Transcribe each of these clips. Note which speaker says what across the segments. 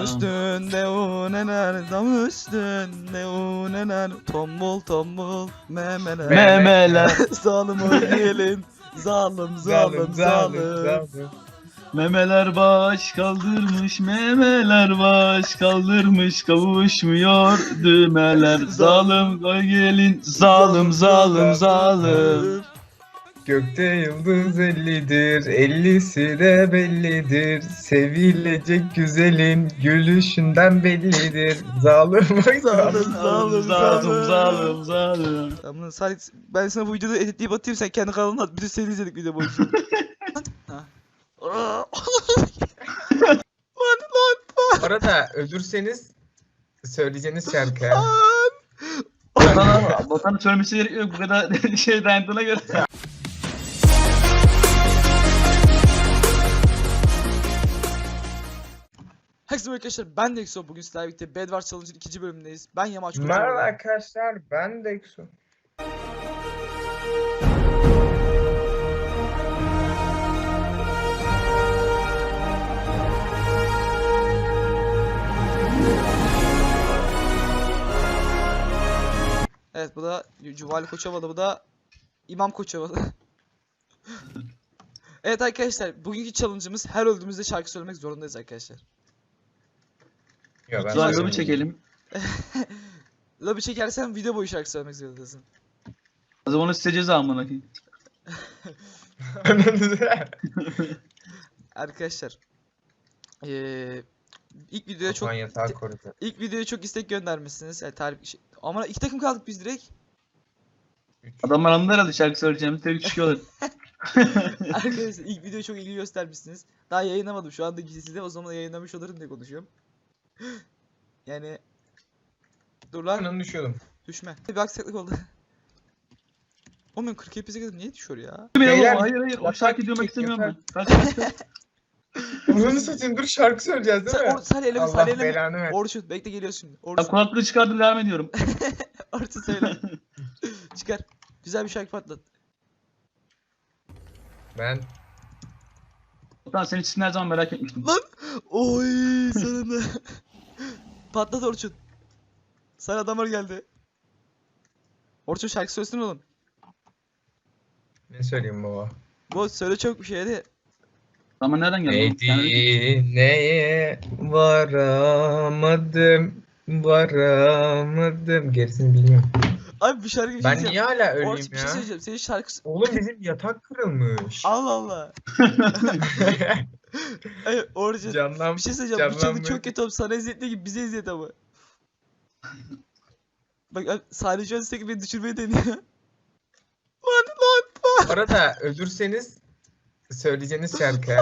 Speaker 1: üstünde uneler, dam üstünde uneler, tombul tombul memeler.
Speaker 2: Memeler.
Speaker 1: Zalim o gelin, zalim.
Speaker 2: Memeler baş kaldırmış, memeler baş kaldırmış, kavuşmuyor düğmeler. Zalim koy gelin, zalim.
Speaker 3: Gökte yıldız 50'dir, 50'si de bellidir. Sevilecek güzelin gülüşünden bellidir. Zalim oy
Speaker 2: Zalim.
Speaker 1: Tamam Salih, ben sana bu videoda editleyip atayım, sen kendi kanalına at. Bütün seni izledik video boyunca. Ha.
Speaker 3: Bu arada ölürseniz söyleyeceğiniz şarkı.
Speaker 2: Botanın söylemesi gerekiyor bu kadar şey dayandığına göre.
Speaker 1: Herkese merhaba arkadaşlar, ben Dexo. Bugün sizlerle birlikte Bedwars Challenge'ın 2. bölümündeyiz. Ben Yamaç Kocaoğlu.
Speaker 3: Merhaba arkadaşlar, ben Dexo.
Speaker 1: Evet, bu da Cuvali Koçovalı, bu da İmam Koçovalı. Evet arkadaşlar, bugünkü challenge'ımız her öldüğümüzde şarkı söylemek zorundayız arkadaşlar.
Speaker 3: Yo, ben
Speaker 2: Zargımı
Speaker 3: söyleyeyim.
Speaker 2: çekelim.
Speaker 1: Lobi çekersen video boyu şarkı söylemek zorundasın.
Speaker 2: O zaman onu size ceza amına koyayım.
Speaker 1: Arkadaşlar, ilk videoya çok
Speaker 3: Osman yatağı korudu.
Speaker 1: ilk videoya çok istek göndermişsiniz. Yani ama 2 takım kaldık biz direkt.
Speaker 2: Adamlar anladı herhalde şarkı söyleyeceğimiz tek çıkıyorlar.
Speaker 1: Arkadaşlar ilk videoya çok ilgi göstermişsiniz. Daha yayınlamadım. Şu anda gizli de, o zaman yayınlamış olurum diye konuşuyorum. Yani dur lan,
Speaker 3: Ben düşüyordum.
Speaker 1: düşme. Bir aksaklık oldu. Oğlum ben 40 epize kadar niye düşüyor ya?
Speaker 3: Beyler,
Speaker 2: Hayır o şarkı
Speaker 3: yatak
Speaker 2: duymak
Speaker 3: çek,
Speaker 2: istemiyorum ben.
Speaker 3: Onu satayım, dur şarkı söyleyeceğiz değil mi?
Speaker 1: Salih eleme,
Speaker 3: Allah
Speaker 1: Salih eleme.
Speaker 3: belanı ver.
Speaker 1: Orçun bekle, geliyorsun şimdi.
Speaker 2: Ben
Speaker 1: Orçun.
Speaker 2: kulaklığı çıkardım devam ediyorum.
Speaker 1: Orçun söyle. Çıkar. Güzel bir şarkı patlat.
Speaker 3: Ben
Speaker 2: Lan senin için her zaman merak etmiştim.
Speaker 1: Lan! Oy sonunda. Patlat Orçun. Sana adamlar geldi. Orçun şarkı söylesin oğlum.
Speaker 3: ne söyleyeyim baba?
Speaker 1: Bu söyle çok bir şey hadi.
Speaker 2: Ama nereden geldi?
Speaker 3: Neye varamadım. Gerisini bilmiyorum.
Speaker 1: Abi bir şarkı bir şey
Speaker 3: Ben
Speaker 1: diyeceğim.
Speaker 3: niye hala öleyim
Speaker 1: Orçun bir şey
Speaker 3: ya?
Speaker 1: söyleyeceğim. Senin şarkı...
Speaker 3: Oğlum bizim yatak kırılmış.
Speaker 1: Allah Allah. Ay Orçun.
Speaker 3: Canlan.
Speaker 1: Bir şey söyleyeceğim. Bu çalı
Speaker 3: canlanmıyor.
Speaker 1: çok kötü oğlum. Sana eziyetli gibi bize eziyet ama. Bak abi, Salih şu an sürekli beni düşürmeye deniyor. Lan.
Speaker 3: Bu arada ölürseniz söyleyeceğiniz şarkı.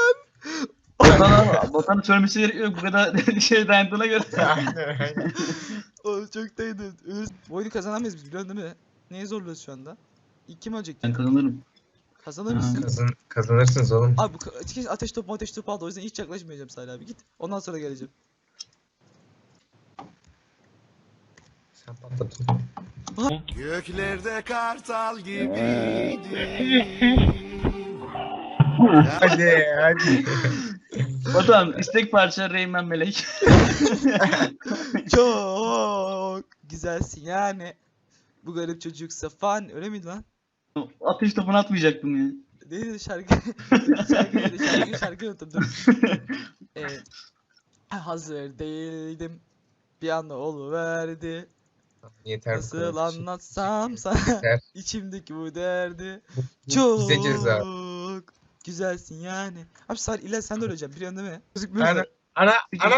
Speaker 2: Botanın söylemesi gerekiyor bu kadar şey dayandığına göre.
Speaker 3: Aynen.
Speaker 1: Oğlum çok dayandım. Bu oyunu kazanamayız biz, biliyorsun değil mi? Neye zorluyoruz şu anda? İlk kim ölecek?
Speaker 2: Ben kazanırım.
Speaker 1: Kazanır mısın?
Speaker 3: Kazanırsınız oğlum.
Speaker 1: Abi bu ateş topu aldı, o yüzden hiç yaklaşmayacağım Salih abi, git. Ondan sonra geleceğim.
Speaker 3: Sen patlat.
Speaker 4: Göklerde kartal gibiydi.
Speaker 3: Hadi.
Speaker 2: Batuhan istek parça Reymen Melek.
Speaker 1: Çok güzelsin yani. Bu garip çocuk Safan, öyle miydi lan?
Speaker 2: Ateş topunu atmayacaktım ya.
Speaker 1: Neydi şarkı? şarkı unuttum, dur. Hazır değildim. Bir anda oluverdi.
Speaker 3: Yeter. bu
Speaker 1: Nasıl
Speaker 3: kadar.
Speaker 1: anlatsam sana
Speaker 3: Yeter.
Speaker 1: içimdeki bu derdi.
Speaker 3: Bu
Speaker 1: Çok
Speaker 3: bize ceza.
Speaker 1: güzelsin yani. Abi Salih illa sen de öleceğim, biliyorsun değil mi?
Speaker 3: Ana.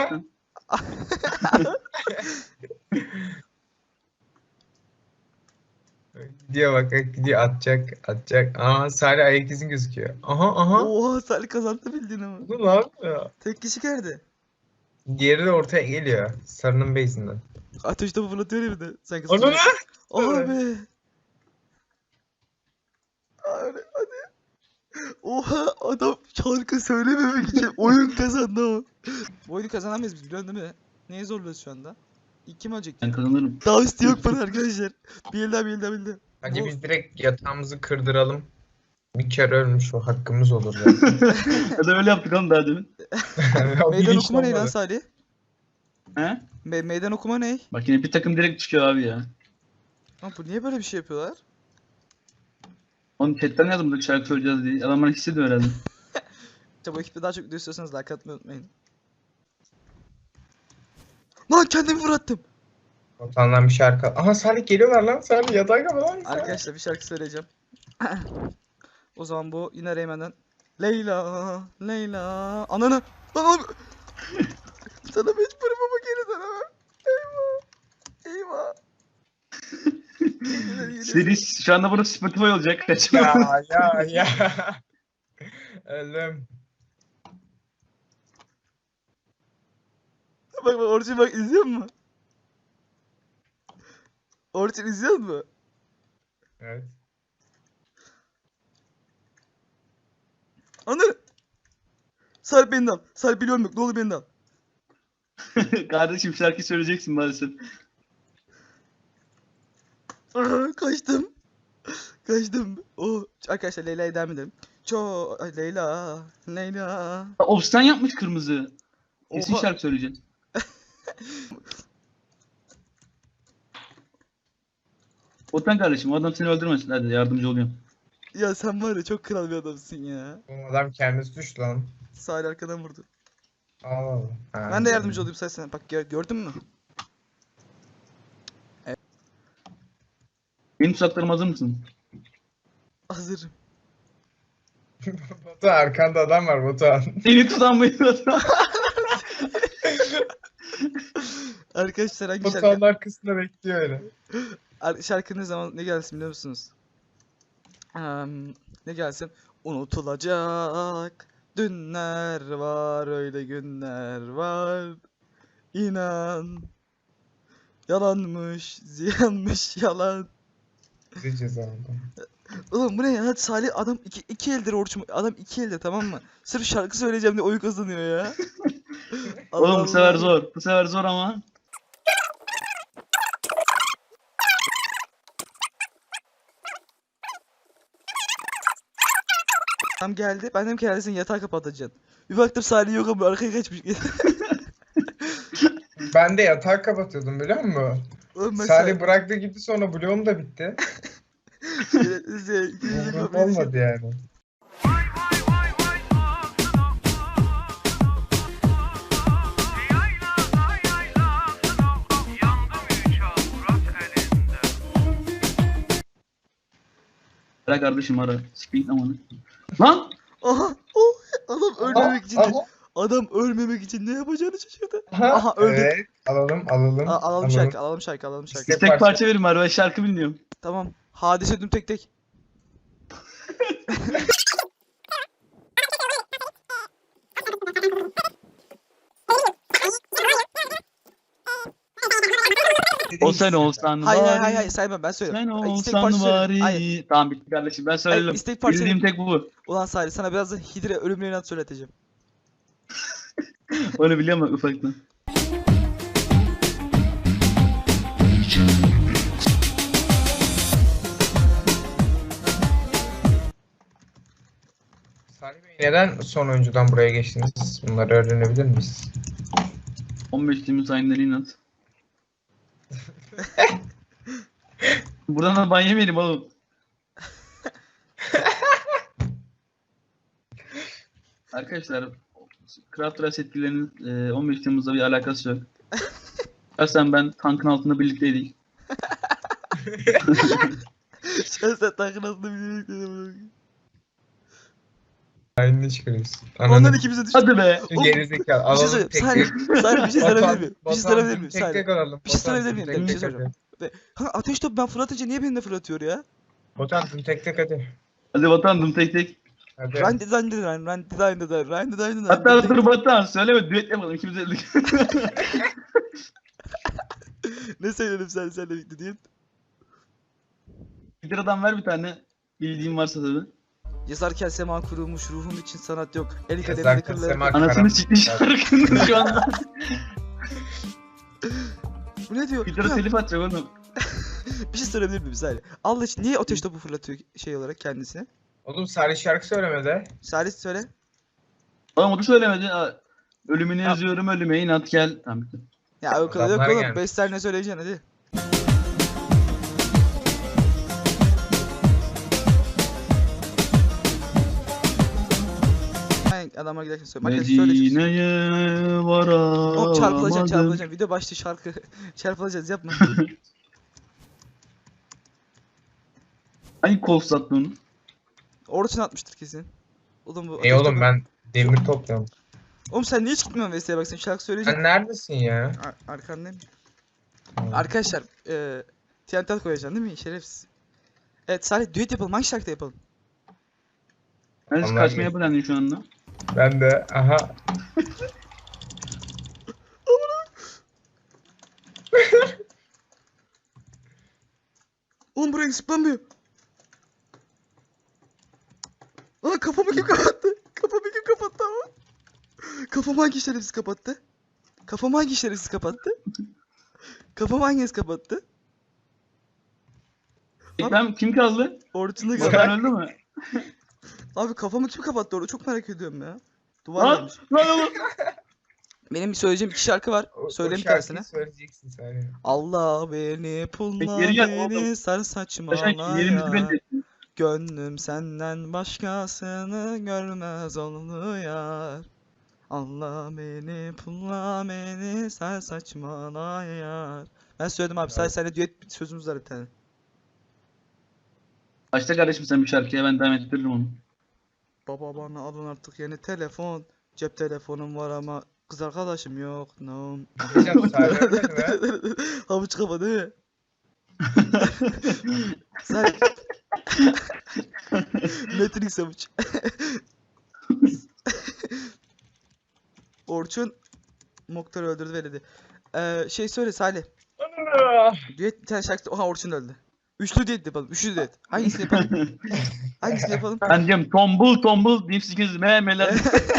Speaker 3: Gidiyor bak, gidiyor, atacak. Aa, Salih ayak izin gözüküyor. Aha.
Speaker 1: Oha, Salih kazandı bildiğin ama.
Speaker 3: Bu ne yapıyor?
Speaker 1: Tek kişi geldi.
Speaker 3: Diğeri de ortaya geliyor. Sarının base'inden.
Speaker 1: Ateş topu fırlatıyor ya bir de. Sen
Speaker 3: Onu
Speaker 1: kazandın.
Speaker 3: ne?
Speaker 1: Abi. Hadi. Oha, adam şarkı söylememek için oyun kazandı ama. Bu oyunu kazanamayız biz, biliyorsun değil mi? Neye zorluyoruz şu anda? İlk kim ölecek?
Speaker 2: Ben kazanırım.
Speaker 1: Daha üstü yok bana arkadaşlar. Bir el daha.
Speaker 3: Bence
Speaker 1: Bu-
Speaker 3: biz direkt yatağımızı kırdıralım. Bir kere ölmüş, o hakkımız olur zaten.
Speaker 2: Ya da öyle yaptık oğlum daha demin.
Speaker 3: O
Speaker 1: Meydan
Speaker 3: bilinç
Speaker 1: okuma ne lan
Speaker 3: olmadı.
Speaker 1: Salih?
Speaker 2: He?
Speaker 1: Meydan okuma ne?
Speaker 2: Bak yine bir takım direkt çıkıyor abi ya.
Speaker 1: Lan bu niye böyle bir şey yapıyorlar?
Speaker 2: Onun chatten yazdım şarkı söyleyeceğiz diye. Adamlar hissediyor herhalde.
Speaker 1: İşte bu ekipte daha çok video istiyorsanız like atmayı unutmayın. Lan kendimi fırlattım.
Speaker 3: Botandan bir şarkı. Aha Salih geliyorlar lan. Salih yatağa kapı lan.
Speaker 1: Arkadaşlar bir şarkı söyleyeceğim. O zaman bu yine Reymen'den. Leyla, Leyla. Ananı. Lan oğlum. Sana mecburum ama geri dönemem. Eyvah. Eyvah.
Speaker 2: Seri şu anda burası Spotify olacak. Kaçma.
Speaker 3: Ya. Ölüm.
Speaker 1: Bak Orçun bak izliyor musun? Orçun izliyor musun?
Speaker 3: Evet.
Speaker 1: Ananı. Sarp beni de al. Sarp biliyorum yok. Ne olur beni de al.
Speaker 2: Kardeşim şarkı söyleyeceksin maalesef.
Speaker 1: Kaçtım. Kaçtım. Oh. Arkadaşlar Leyla'ya devam edelim. Leyla, Leyla.
Speaker 2: Of sen yapmış kırmızı. Kesin
Speaker 1: Oha.
Speaker 2: şarkı söyleyeceksin. Otan kardeşim o adam seni öldürmesin. Hadi yardımcı oluyorum.
Speaker 1: Ya sen var ya çok kral bir adamsın ya.
Speaker 3: Bu adam kendisi düştü lan.
Speaker 1: Sahil arkadan vurdu.
Speaker 3: Allah Allah. Ha,
Speaker 1: Ben de yardımcı olayım sen. Bak gördün mü?
Speaker 2: Benim tuzaklarıma hazır mısın?
Speaker 1: Hazırım.
Speaker 3: Batuhan arkanda adam var Batuhan.
Speaker 2: Seni tutan mıydı?
Speaker 1: Arkadaşlar hangi
Speaker 3: Batuhan'ın
Speaker 1: şarkı?
Speaker 3: arkasında bekliyor öyle.
Speaker 1: Şarkı ne zaman ne gelsin biliyor musunuz? Ne gelsin? Unutulacak dünler var, öyle günler var. İnan. Yalanmış, ziyanmış yalan.
Speaker 3: Bizi ceza aldı.
Speaker 1: Oğlum bu ne ya? Salih adam iki eldir Orçun. Adam iki elde, tamam mı? Sırf şarkı söyleyeceğim diye oyun kazanıyor ya. Allah
Speaker 2: Oğlum bu sefer
Speaker 1: Allah.
Speaker 2: zor. Bu sefer zor ama.
Speaker 1: Adam geldi. Ben dedim ki herhalde sen yatağı kapatacaksın. Bir baktım Salih yok ama arkaya kaçmış.
Speaker 3: Ben de yatağı kapatıyordum biliyor musun?
Speaker 1: Oğlum ben
Speaker 3: Salih bıraktı gitti sonra bloğum da bitti. Umurumda olmadı yani.
Speaker 2: Bırak kardeşim ara. Sikeyim amanı. Lan!
Speaker 1: Aha! Oh! Adam ölmemek için
Speaker 3: Aha.
Speaker 1: adam ölmemek için ne yapacağını şaşırdı.
Speaker 3: Aha,
Speaker 1: Aha, öldü.
Speaker 3: Evet, alalım.
Speaker 1: Alalım şarkı, alalım şarkı.
Speaker 3: İşte-
Speaker 2: Tek parça verin bari ben şarkı bilmiyorum.
Speaker 1: Tamam. Hadise düm tek tek.
Speaker 2: O sen olsan
Speaker 1: Hayır saymam, ben söylüyorum.
Speaker 2: Sen
Speaker 1: İstek
Speaker 2: olsan
Speaker 1: parça söylüyorum. Hayır.
Speaker 2: bari. Tamam bitti kardeşim ben söyledim.
Speaker 1: istek parça-
Speaker 2: Bildiğim tek bu.
Speaker 1: Ulan Salih sana birazdan Hidre ölümlü inat söyleteceğim.
Speaker 2: Onu biliyorum bak ufaktan.
Speaker 3: Salih Bey, neden son oyuncudan buraya geçtiniz? Bunları öğrenebilir miyiz?
Speaker 2: 15 Temmuz ayinleri inat. Buradan da ban yemeyelim oğlum. Arkadaşlar Craft Rice etkilerinin 15 Temmuz'da bir alakası yok. Şahsen ben tankın altında birlikteydik.
Speaker 1: Sen tankın altında bir
Speaker 3: Aynını çıkarıyorsun.
Speaker 1: Ondan ikimize düştü.
Speaker 2: Hadi be.
Speaker 1: Oğlum,
Speaker 3: Gerizekalı.
Speaker 1: Bir şey
Speaker 3: Alalım
Speaker 1: söyleyeyim.
Speaker 3: tek
Speaker 1: Salih,
Speaker 3: tek.
Speaker 1: Salih bir şey sorabilir miyim? Bir şey
Speaker 3: Batuhan,
Speaker 1: sorabilir miyim?
Speaker 3: tek
Speaker 1: Salih.
Speaker 3: tek alalım.
Speaker 1: Bir şey
Speaker 3: Batuhan,
Speaker 1: sorabilir miyim?
Speaker 3: tek
Speaker 1: Bir şey
Speaker 3: tek
Speaker 1: soracağım.
Speaker 3: hadi.
Speaker 1: Ha, ateş topu ben fırlatınca niye beni de fırlatıyor ya?
Speaker 3: Batuhan tek tek hadi.
Speaker 2: Hadi vatandım tek tek.
Speaker 3: Hadi.
Speaker 1: Run.
Speaker 2: Hatta dur Batuhan söyleme düet yapalım ikimiz de.
Speaker 1: Ne söyledim senle birlikte diye.
Speaker 2: Bir liradan ver bir tane. Bildiğin varsa tabii.
Speaker 1: Yazarken sema kurulmuş, ruhum için sanat yok. El kademinde
Speaker 3: Yazarken
Speaker 1: kırılır.
Speaker 3: sema-
Speaker 2: Anasını
Speaker 3: Karanlık.
Speaker 2: siktin şarkının şu anda.
Speaker 1: Bu ne diyor?
Speaker 2: Bir lira
Speaker 1: Ya,
Speaker 2: telif atacak oğlum.
Speaker 1: bir şey sorabilir miyim Salih? Allah için niye ateş topu fırlatıyor şey olarak kendisine?
Speaker 3: Oğlum Salih şarkı söylemedi.
Speaker 1: Salih söyle.
Speaker 2: Oğlum o da söylemedi. Ölümünü
Speaker 1: Ya.
Speaker 2: yazıyorum ölüme inat gel. Tamam bitti.
Speaker 1: Ya o kadar yok
Speaker 3: Adamlar
Speaker 1: oğlum.
Speaker 3: gelmiş.
Speaker 1: 5 saniye söyleyeceksin hadi. Aynen adamlar giderken söyle. Arkadaşlar söyleyeceğiz.
Speaker 2: Medine'ye varamadım.
Speaker 1: Hop çarpılacaksın. Video başta şarkı. Çarpılacağız yapma.
Speaker 2: Hangi kol sattı onu?
Speaker 1: Orçun atmıştır kesin. Oğlum bu
Speaker 3: Ey oğlum ben demir topluyorum.
Speaker 1: Oğlum sen niye hiç gitmiyorsun Vesile'ye bak sen şarkı söyleyeceksin.
Speaker 3: Sen neredesin ya?
Speaker 1: Arkandayım. Arkadaşlar TNT koyacaksın değil mi? Şerefsiz. Evet Salih düet yapalım. Hangi şarkıda yapalım?
Speaker 2: Neresi
Speaker 3: Vallahi
Speaker 2: kaçmaya
Speaker 3: iyi.
Speaker 2: planlıyor şu anda?
Speaker 3: Ben de aha.
Speaker 1: Oğlum buraya zıplamıyor. Aa kafamı kim kapattı? Kafamı kim kapattı ama? Kafamı hangi şerefsiz kapattı? Kafamı hangi şerefsiz kapattı? Kafamı hangisi kapattı?
Speaker 2: Ben kim kaldı?
Speaker 1: Orçun'da
Speaker 3: Bak.
Speaker 1: kapattı.
Speaker 2: Volkan öldü mü?
Speaker 1: Abi kafamı kim kapattı orada? Çok merak ediyorum ya. Duvar
Speaker 2: Lan
Speaker 1: varmış.
Speaker 2: lan.
Speaker 1: Benim bir söyleyeceğim iki şarkı var. Söyle bir
Speaker 3: şarkıyı
Speaker 1: tanesini.
Speaker 3: söyleyeceksin sen.
Speaker 1: Allah beni pulla
Speaker 2: Geri gel
Speaker 1: beni
Speaker 2: oğlum.
Speaker 1: sar
Speaker 2: Taşan yerimizi
Speaker 1: saçmalaya.
Speaker 2: belli ettin.
Speaker 1: Gönlüm senden başkasını görmez oldu yar. Allah beni pulla beni sar saçmalaya. Ben söyledim abi. Sadece seninle düet sözümüz var bir tane.
Speaker 2: Başta kardeşim sen bir şarkıya ben devam ettiririm onu.
Speaker 1: Baba bana alın artık yeni telefon. Cep telefonum var ama kız arkadaşım yok. No.
Speaker 3: Hocam söyleyemedin mi?
Speaker 1: Havuç kafa değil mi? Sen... Matrix havuç. Orçun Moktar'ı öldürdü ve dedi. Şey söyle Salih. Düet bir tane şarkı. Oha Orçun öldü. Üçlü düet yapalım. Üçlü düet. Hangisini yapalım? Hangisini yapalım?
Speaker 2: Ben diyorum tombul tombul dipsikiz memeler.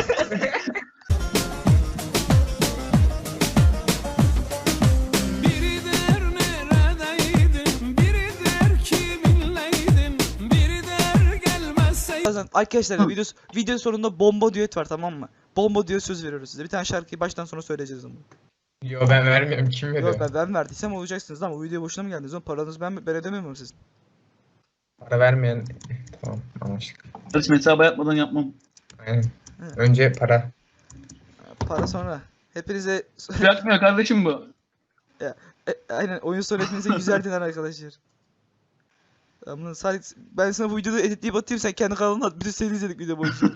Speaker 4: Biri der neredeydin, biri der kiminleydin, biri der gelmezseydin.
Speaker 1: Bazen arkadaşlar video sonunda bomba düet var tamam mı? Bomba düet söz veriyoruz size. Bir tane şarkıyı baştan sona söyleyeceğiz ama.
Speaker 3: Yo ben vermiyorum, kim veriyor?
Speaker 1: Yok ben verdiysem olacaksınız ama bu video boşuna mı geldiniz? Oğlum paranızı ben ödemiyor muyum sizin?
Speaker 3: Para vermeyen tamam anlaştık.
Speaker 2: Kardeşim hesaba yapmadan yapmam.
Speaker 3: Aynen. Önce para.
Speaker 1: Para sonra. Hepinize
Speaker 2: Bırakmıyor kardeşim bu.
Speaker 1: aynen oyun sonu hepinize 100'er dinar arkadaşlar. Ama Salih ben sana bu videoda editleyip atayım sen kendi kanalına at. Bir de seni izledik video boyunca.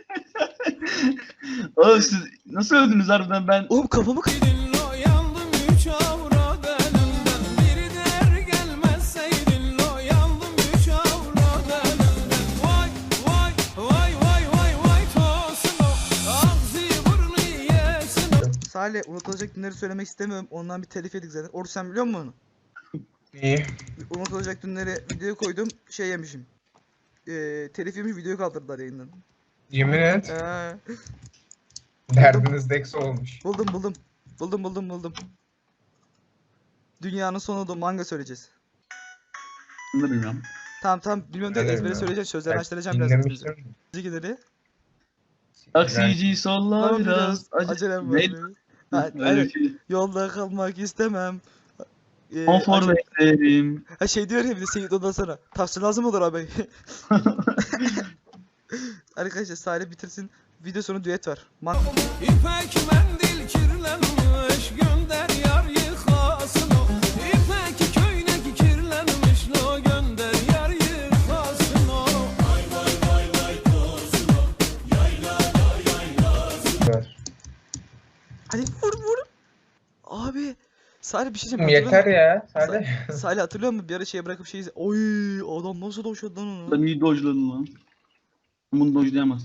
Speaker 2: Oğlum siz nasıl öldünüz harbiden ben?
Speaker 1: Oğlum kafamı
Speaker 4: Lo yandım üç avrat elinden, biri der gelmezseydin. Lo yandım üç avrat elinden. Vay vay vay vay vay vay tosun o, ağzı burnu yesin o.
Speaker 1: Salih unutulacak günleri söylemek istemiyorum. Ondan bir telif yedik zaten. Oruç sen biliyor musun onu?
Speaker 3: İyi.
Speaker 1: Unutulacak günleri videoya koydum. Şey yemişim. Telif yemiş videoyu kaldırdılar yayından.
Speaker 3: Yemin et.
Speaker 1: Ee,
Speaker 3: Derdiniz Dex olmuş.
Speaker 1: buldum. Dünyanın sonu manga söyleyeceğiz.
Speaker 2: Bunu da bilmiyorum.
Speaker 1: Tamam bilmiyorum
Speaker 3: Ben
Speaker 1: da
Speaker 3: de
Speaker 1: ezbere
Speaker 3: bilmiyorum.
Speaker 1: söyleyeceğim. Sözlerini
Speaker 3: Bak,
Speaker 1: açtıracağım biraz.
Speaker 3: dinlemiştim.
Speaker 1: Müzikleri.
Speaker 2: Taksici solla
Speaker 1: Ama
Speaker 2: biraz.
Speaker 1: acelem var.
Speaker 2: Neydi?
Speaker 1: benim. Ha,
Speaker 2: Öyle
Speaker 1: aynen.
Speaker 2: bir şey.
Speaker 1: Yolda kalmak istemem.
Speaker 2: Konfor
Speaker 1: acele-
Speaker 2: beklerim.
Speaker 1: Ha şey diyor ya bir de Seyit ondan sonra. Tavsiye lazım olur abi. Arkadaşlar Salih bitirsin. Video sonu düet var.
Speaker 4: İpek mendil kirlenmiş, gönder yar yıkasın o. İpek köynek kirlenmiş, lo gönder yar yıkasın o.
Speaker 1: Hadi vur. Abi. Salih bir şey diyeceğim.
Speaker 3: Yeter ya. Hadi.
Speaker 1: Salih hatırlıyor musun? Bir ara şey bırakıp şey oy adam nasıl doşladı lan onu.
Speaker 2: Ben iyi dojladım lan. Bunu dojlayamaz.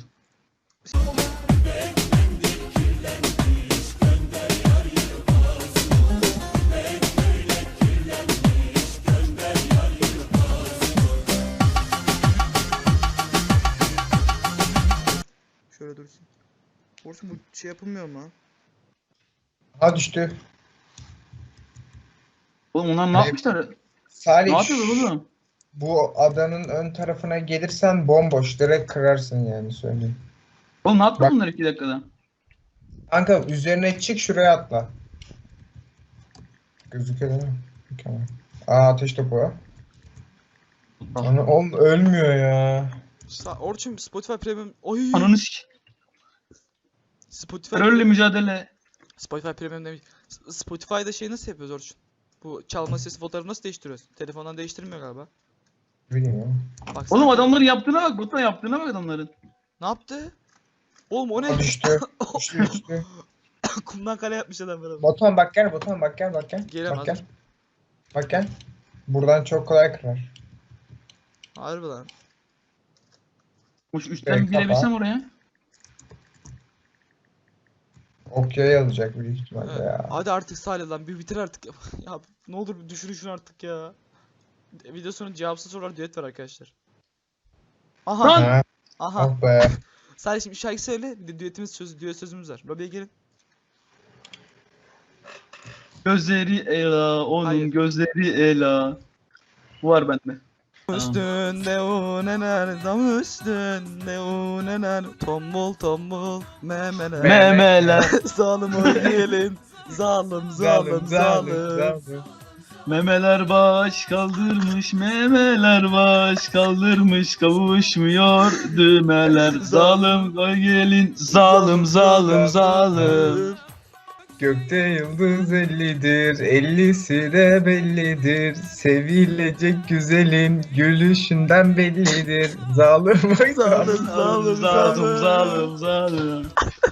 Speaker 1: Şöyle dursun. Orçun bu şey yapılmıyor mu?
Speaker 3: Ha düştü.
Speaker 2: Oğlum onlar ne
Speaker 3: Hayır.
Speaker 2: yapmışlar?
Speaker 3: Salih
Speaker 2: Ne yapıyorlar oğlum?
Speaker 3: bu adanın ön tarafına gelirsen bomboş. Direkt kırarsın yani söyleyeyim.
Speaker 2: Oğlum ne yaptı
Speaker 3: Bak.
Speaker 2: bunlar 2 dakikada?
Speaker 3: Kanka üzerine çık şuraya atla. Gözüküyor değil mi? Mükemmel. Aa, ateş topu var. Oğlum ölmüyor ya.
Speaker 1: Orçun Spotify Premium. Oy.
Speaker 2: Ananı sik.
Speaker 1: Spotify
Speaker 2: Terörle mücadele.
Speaker 1: Spotify Premium demiş. Spotify'da şey nasıl yapıyoruz Orçun? Bu çalma sesi fotoğrafı nasıl değiştiriyoruz? Telefondan değiştirmiyor galiba.
Speaker 3: Bilmiyorum.
Speaker 1: Bak
Speaker 2: Oğlum adamların yaptığına bak. Batuhan yaptığına bak adamların.
Speaker 1: ne yaptı? Oğlum o
Speaker 3: Aa,
Speaker 1: ne?
Speaker 3: düştü. Düştü.
Speaker 1: Kumdan kale yapmış adam böyle.
Speaker 3: Batuhan bak gel. Batuhan bak gel. Bak gel.
Speaker 1: Gelemez.
Speaker 3: Bak gel. Bak gel. Buradan çok kolay kırar.
Speaker 1: Harbi lan.
Speaker 2: Hoş üstten
Speaker 3: Kapa.
Speaker 2: girebilsem oraya.
Speaker 3: Okya'ya alacak büyük ihtimalle
Speaker 1: Evet.
Speaker 3: ya.
Speaker 1: Hadi artık Salih lan bir bitir artık. Ya ne olur bir düşünün şunu artık ya. Video sonu cevapsız sorular düet var arkadaşlar. Aha.
Speaker 2: Lan!
Speaker 3: Ha,
Speaker 1: Aha.
Speaker 3: ah be.
Speaker 1: Salih şimdi şarkı söyle. Bir de düet sözümüz var. Lobiye gelin.
Speaker 2: Gözleri Ela, onun
Speaker 1: Hayır.
Speaker 2: gözleri Ela. Bu var bende.
Speaker 1: Üstünde unener, dam üstünde unener, tombul tombul memeler.
Speaker 2: Memeler.
Speaker 1: Zalim o gelin, zalim.
Speaker 2: Memeler baş kaldırmış, memeler baş kaldırmış, kavuşmuyor düğmeler. Zalim koy gelin, zalim.
Speaker 3: Gökte yıldız 50'dir, 50'si de bellidir. Sevilecek güzelin gülüşünden bellidir. Zalim bak
Speaker 2: Zalim.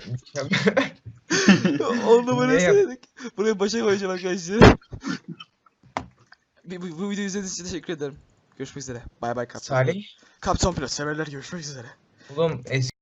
Speaker 1: Onu böyle
Speaker 3: Ne yap-
Speaker 1: söyledik. Buraya başa koyacağım arkadaşlar. Bu videoyu izlediğiniz için teşekkür ederim. Görüşmek üzere. Bay bay Kaptan.
Speaker 3: Salih.
Speaker 1: Kaptan Pilot severler görüşmek üzere.
Speaker 3: Oğlum eski